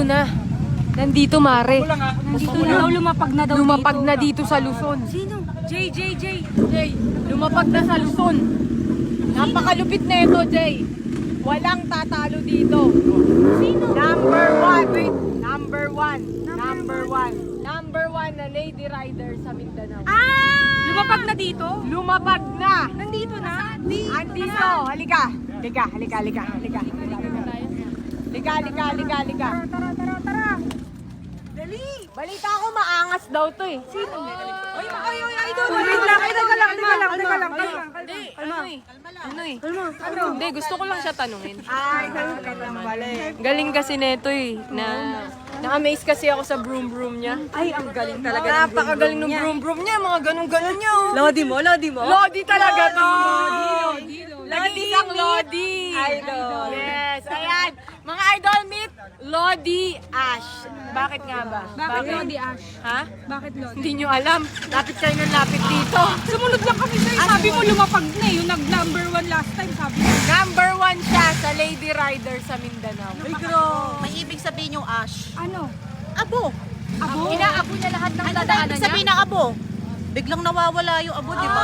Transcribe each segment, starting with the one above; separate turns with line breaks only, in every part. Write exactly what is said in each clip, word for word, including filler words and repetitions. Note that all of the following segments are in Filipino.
na. Nandito, Mare.
Nandito na daw, lumapag na daw
Lumapag
dito.
na dito sa Luzon.
Sino? Jay, Jay, Jay.
Jay, lumapag na sa Luzon. Napakalupit na ito, Jay. Walang tatalo dito.
Sino?
Number one. Wait. Number one. Number one. Number one na lady rider sa Mindanao.
Ah! Lumapag na dito?
Lumapag na.
Nandito na?
Andito. Halika. Halika, halika, halika, halika. Halika, halika, halika, halika.
Tara, tara, tara. Dali.
Balita ko maangas daw to eh.
Sino? Ay, ay, ay, idol. Wait lang, ay, teka lang, teka lang, teka lang.
Hindi, ano eh. Ano eh.
Ano?
Hindi, gusto ko lang siya tanungin.
Ay, ganun ka lang pala eh.
Galing kasi neto eh. Na, na-amaze kasi ako sa broom broom niya.
Ay, ang galing talaga ng
Napakagaling ng broom broom niya. Mga ganun-ganun niya. oh.
Lodi mo, lodi mo?
Lodi talaga to.
Lodi,
Lodi isang Lodi.
Idol.
Yes, ayan. Mga idol meet, Lodi Ash. Bakit nga ba?
Bakit Lodi Ash?
Ha?
Bakit Lodi?
Hindi nyo alam. Lapit kayo ng lapit dito.
Sumunod lang kami sa'yo. Sabi mo lumapag na eh. Yung nag-number one last time, sabi mo.
Number one siya sa lady rider sa Mindanao.
Ay, bro. May ibig sabihin yung ash.
Ano?
Abo.
Abo?
Inaabo niya lahat ng
Ano na
dadaanan
ibig
niya.
sabihin ng abo? Biglang nawawala yung abo, di ba?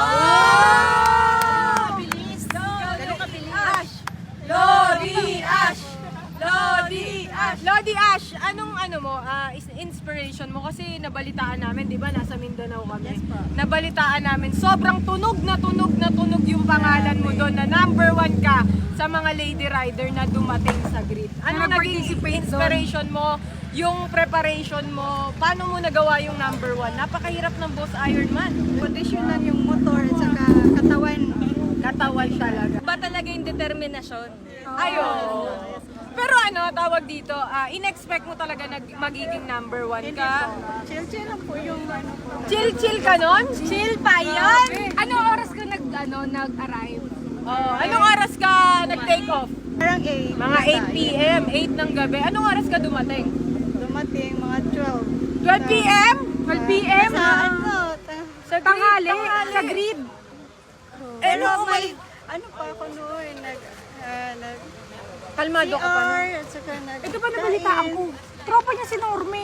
Ah!
Bilis. Ganun kabilis.
Lodi Ash! Lodi Ash! Lodi Ash, anong ano mo, ah, is inspiration mo? Kasi nabalitaan namin, di ba, nasa Mindanao kami.
Yes, po.
Nabalitaan namin, sobrang tunog na tunog na tunog yung pangalan mo doon na number one ka sa mga lady rider na dumating sa grid. Ano
Na
naging
nag-participate
inspiration mo? Yung preparation mo, paano mo nagawa yung number one? Napakahirap ng Boss Ironman.
Kondisyonan yung motor at saka katawan.
Katawan talaga.
Ba talaga yung determinasyon?
Ayun. Pero ano, tawag dito, ah, in-expect mo talaga na magiging number one ka?
Chill-chill lang po yung ano po.
Chill-chill ka nun?
Chill pa yun? Ano oras ka nag, ano, nag-arrive?
Oh, anong oras ka nag-take off?
Parang eight.
Mga eight p m, eight ng gabi. Anong oras ka dumating?
Dumating mga twelve.
twelve p m?
twelve p m?
Sa ano? Ta-
Sa
Tanghali?
tanghali.
Sa grid?
Eh,
Pero
no,
may, ano pa ako noon, nag, ah, nag
kalmado ka pa
C R,
nun.
at saka nag
Ito pa nabalitaan ko. Tropa niya si Norme.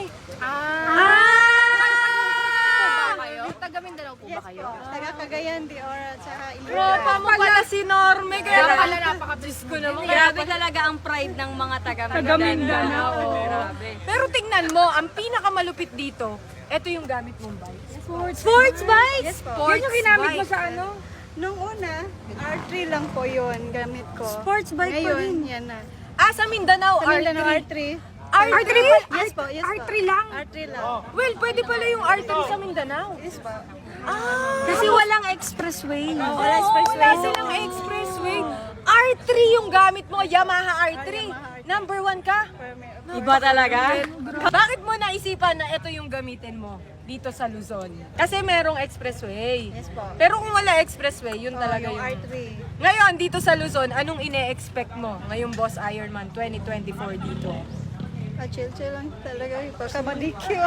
Ah!
kayo? Taga Mindanao po
yes po, taga Cagayan de Oro at saka
Tropa mo pala si Norme. Kaya pala napaka-Diyos ko naman.
Grabe talaga ang pride ng mga taga
Taga Mindanao.
Grabe.
Pero tingnan mo, ang pinakamalupit dito, ito yung gamit mong bike.
Sports, Sports bike?
Yes po.
Sports
Yun yung ginamit mo
bike.
sa ano?
Nung una, R three lang po yun gamit ko.
Sports bike pa
Ngayon,
rin.
yan na.
Ah, sa Mindanao,
Sa Mindanao,
R
R three.
three. R three?
Yes po, yes po.
R three lang?
R three lang.
Well, pwede pala yung R three sa Mindanao.
Yes po.
Ah!
Kasi walang expressway.
Wala expressway. Wala silang expressway. R three yung gamit mo, Yamaha R three. Number one ka?
Iba talaga?
Bakit mo naisipan na ito yung gamitin mo dito sa Luzon? Kasi merong expressway.
Yes po.
Pero kung wala expressway, yun
Oh,
talaga
yung
yun.
R three.
Ngayon, dito sa Luzon, anong ine-expect mo ngayong Boss Ironman twenty twenty-four dito?
Ah, chill-chill lang talaga. Pagkamadikyo.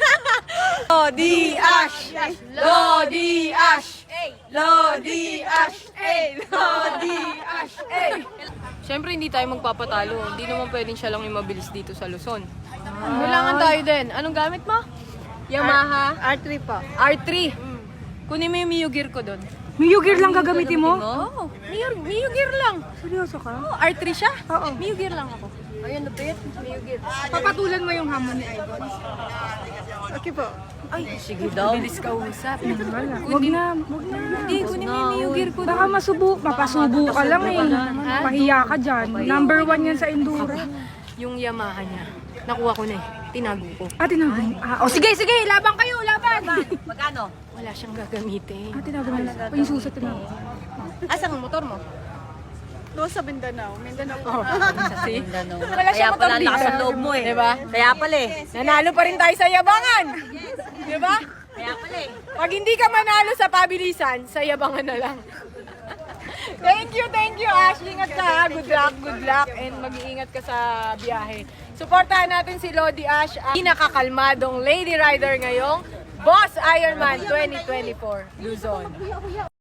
Lodi Ash! Lodi Ash! Lodi Ash! Lodi Ash! Siyempre hindi tayo magpapatalo. Hindi naman pwedeng siya lang yung mabilis dito sa Luzon. Kailangan tayo din. Anong gamit mo? Yamaha
R three po.
R three. Kunin mo yung Mio Gear ko doon.
Mio Gear lang gagamitin mo?
Oo. Mio, Mio Gear lang.
Seryoso ka?
Oh, R three siya?
Oo.
Mio Gear lang ako. Ayun, lupit. Mio Gear.
Papatulan mo yung hamon ni Idol.
Okay po.
Ay, sige daw. Bilis ka usap.
Wag na, wag na.
Hindi, kunin mo yung Mio Gear ko
Baka
doon.
masubo, mapasubo ka lang eh. Pahiya ka dyan. Number one yan sa Enduro.
Yung Yamaha niya. Nakuha ko na eh. Tinago ko.
Ah, tinago mo. Ah, oh, sige, sige, laban kayo, laban.
Magkano?
Wala siyang gagamitin.
Ah, tinago mo. O, yung susa tinago.
Asan ang motor mo?
Doon sa Mindanao. Mindanao po.
Kasi
Mindanao.
wala
Kaya
siyang motor
pala ang
dito.
lakas ng loob mo eh.
Diba?
Kaya pala eh.
Nanalo pa rin tayo sa yabangan. Diba?
Kaya pala eh.
Pag hindi ka manalo sa pabilisan, sa yabangan na lang. Thank you, thank you, Ash. Ingat ka ha. Good luck, good luck. And mag-iingat ka sa biyahe. Suportahan natin si Lodi Ash, ang pinakakalmadong lady rider ngayong Boss Ironman twenty twenty-four Luzon.